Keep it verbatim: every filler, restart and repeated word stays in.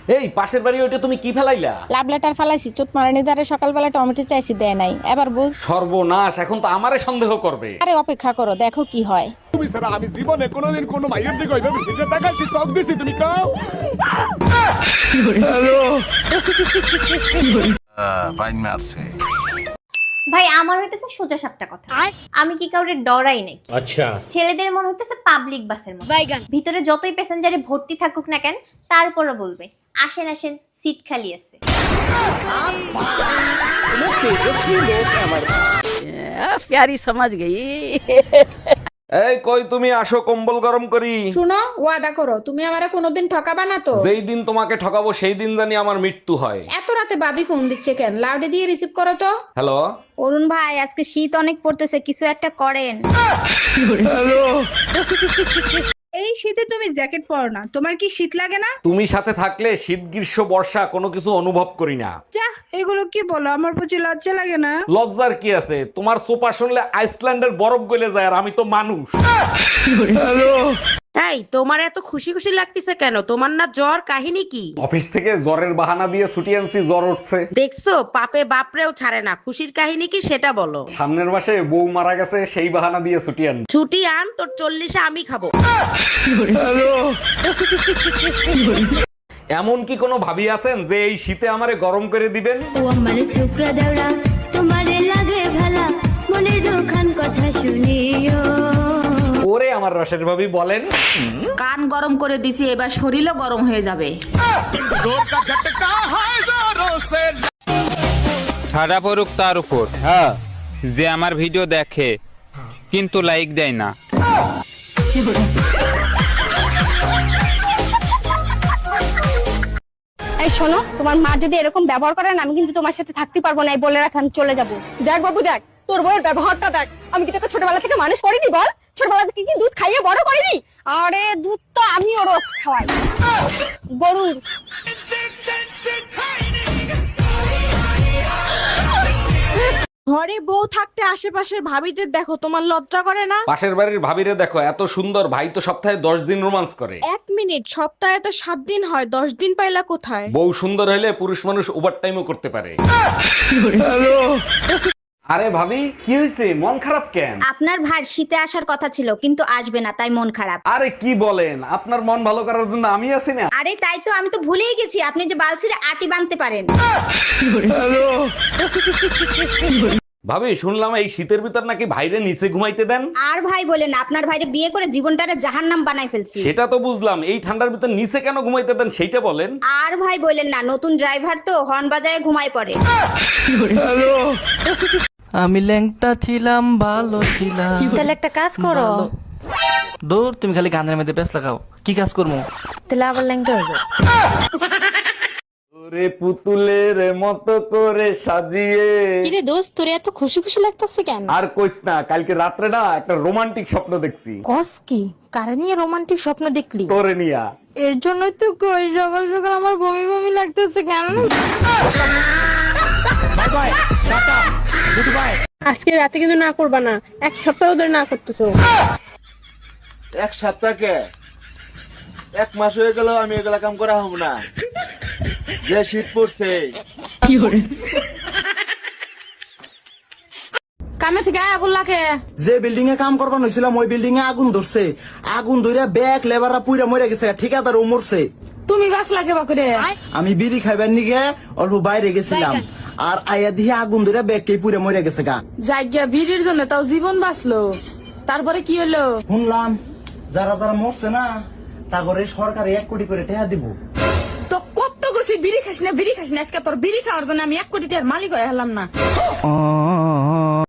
এই পাশের বাড়ি ওইটা তুমি কি ফেলাইলা? লাভ লেটার ফালাইছি, চোট মারানি দ্বারা সকালবেলা টমেটো চাইছি, দেয় নাই। এবার বুঝ। সর্বনাশ, এখন তো আমারে সন্দেহ করবে। আরে অপেক্ষা করো, দেখো কি হয়। তুমি ছাড়া আমি জীবনে কোনোদিন কোনো মাইয়ের দিকে ওইভাবে ফিরে তাকাইছি, চোখ দিছি, তুমি কাও। বাইন মারছে। ভাই আমার হইতেছে সোজা সাপটা কথা, আমি কি কাউরে ডরাই নাকি? আচ্ছা, ছেলেদের মনে হইতেছে পাবলিক বাসের মতো, ভিতরে যতই প্যাসেঞ্জারে ভর্তি থাকুক না কেন তারপরও বলবে আসেন আসেন সিট খালি আছে। प्यारी समझ गई। এই কই তুমি, আসো কম্বল গরম করি। শুনো, ওয়াদা করো তুমি আমারে কোনোদিন ঠকাবা না তো। যেই দিন তোমাকে ঠকাবো সেই দিন জানি আমার মৃত্যু হয়। এত রাতে বাবি ফোন দিচ্ছে কেন? লাউডে দিয়ে রিসিভ করো তো। হ্যালো অরুণ ভাই, আজকে শীত অনেক পড়তেছে, কিছু একটা করেন। এই শীতে তুমি জ্যাকেট পরো না, তোমার কি শীত লাগে না? তুমি সাথে থাকলে শীত গ্রীষ্ম বর্ষা কোনো কিছু অনুভব করি না। যা, এগুলো কি বলো, আমার প্রতি লজ্জা লাগে না? লজ্জার কি আছে? তোমার সোপা শুনলে আইসল্যান্ডের বরফ গলে যায়, আর আমি তো মানুষ। তাই তোমার এত খুশি খুশি লাগতেছে কেন? তোমার না জ্বর, কাহিনী কি? অফিস থেকে জ্বরের বাহানা দিয়ে ছুটি আনছি, জ্বর উঠছে। দেখছো পাপে বাপরেও ছাড়ে না। খুশির কাহিনী কি সেটা বলো। সামনের মাসে বউ মারা গেছে, সেই বাহানা দিয়ে ছুটি আন। ছুটি আন, তোর চল্লিশে আমি খাবো। এমন কি কোনো ভাবি আছেন যে এই শীতে আমারে গরম করে দিবেন? ও আমার ছোকরা দেওড়া, তোমারে লাগে ভালা, মনের দুখান কথা শুনিও। ওরে আমার রসের ভাবি বলেন। কান গরম করে দিছি, এবার শরীরও গরম হয়ে যাবে। ঠাডা পড়ুক তার উপর, হ্যাঁ, যে আমার ভিডিও দেখে কিন্তু লাইক দেয় না। এই শোনো, তোমার মা যদি এরকম ব্যবহার করেন আমি কিন্তু তোমার সাথে থাকতে পারবো না, এই বলে রাখলাম, চলে যাবো। দেখ বাবু দেখ, তোর বউয়ের ব্যবহারটা দেখ। আমি কি তোকে ছোটবেলা থেকে মানুষ করিনি বল? ছোটবেলা থেকে কি দুধ খাইয়ে বড় করিনি? আরে দুধ তো আমিও রোজ খাওয়াই, গরুর। ঘরে বউ থাকতে আশেপাশের ভাবিদের দেখো, তোমার লজ্জা করে না? পাশের বাড়ির ভাবিরে দেখো, এত সুন্দর, ভাই তো সপ্তাহে দশ দিন রোমান্স করে। এক মিনিট, সপ্তাহে তো সাত দিন হয়, দশ দিন পাইলা কোথায়? বউ সুন্দর হলে পুরুষ মানুষ ওভার টাইমও করতে পারে। আরে ভাবি, কি হয়েছে, মন খারাপ কেন? আপনার ভাই শীতে আসার কথা ছিল কিন্তু আসবে না, তাই মন খারাপ। আরে কি বলেন, আপনার মন ভালো করার জন্য আমি আছি না। আরে তাই তো, আমি তো ভুলেই গেছি আপনি যে বালছিরে আটি বানতে পারেন। ভাবি, শুনলাম এই শীতের ভিতর নাকি ভাইরে নিচে ঘুমাইতে দেন। আর ভাই বলেন, আপনার ভাইরে বিয়ে করে জীবনটারে জাহান্নাম বানাই ফেলছি। সেটা তো বুঝলাম, এই ঠান্ডার ভিতর নিচে কেন ঘুমাইতে দেন সেইটা বলেন। আর ভাই বলেন না, নতুন ড্রাইভার তো হর্ন বাজায় ঘুমায় পড়ে। আমি ল্যাংটা ছিলাম, ভালো ছিলাম। তাহলে একটা কাজ করো। দূর, তুমি খালি গানের মধ্যে ব্যস্ত লাগাও। কি কাজ করবো? তাহলে আবার ল্যাংটা হয়ে যাও। ওরে পুতুলের মতো করে সাজিয়ে। কিরে দোস্ত, তোর এত খুশি খুশি লাগতেছে কেন? আর কইস না, কালকে রাত্রে না একটা রোমান্টিক স্বপ্ন দেখছি। কস কি? কারে নিয়ে রোমান্টিক স্বপ্ন দেখলি? তোরে নিয়া। এর জন্যই তো কই সকাল সকাল আমার বমি বমি লাগতেছে কেন? আজকে রাতে কিন্তু না করবা না, এক সপ্তাহ ধরে না করতেছো। এক সপ্তাহকে এক মাস হয়ে গেল আমি এগুলা কাম করা হব না, যে শীত পড়ছে। কামে থেকে আয়া বললাকে যে বিল্ডিং এ কাম করবার হয়েছিলাম ওই বিল্ডিং এ আগুন ধরছে। আগুন ধরে ব্যাগ লেবাররা পুইরা মরে গেছে, ঠিকাদার ও মরছে। তুমি বাস লাগে বাকুরে। আমি বিড়ি খাইবার নিগে অল্প বাইরে গেছিলাম, আর আয়া দিয়ে আগুন ধরে ব্যাগকে পুইরা মরে গেছে গা। জায়গা ভিড়ের জন্য তাও জীবন বাঁচলো, তারপরে কি হলো? শুনলাম যারা যারা মরছে না তারপরে সরকার এক কোটি করে টাকা দিব। তো কত গেছি বিড়ি খাস না, বিড়ি খাস না, আজকে তোর বিড়ি খাওয়ার জন্য আমি এক কোটি টাকার মালিক হয়ে হলাম না।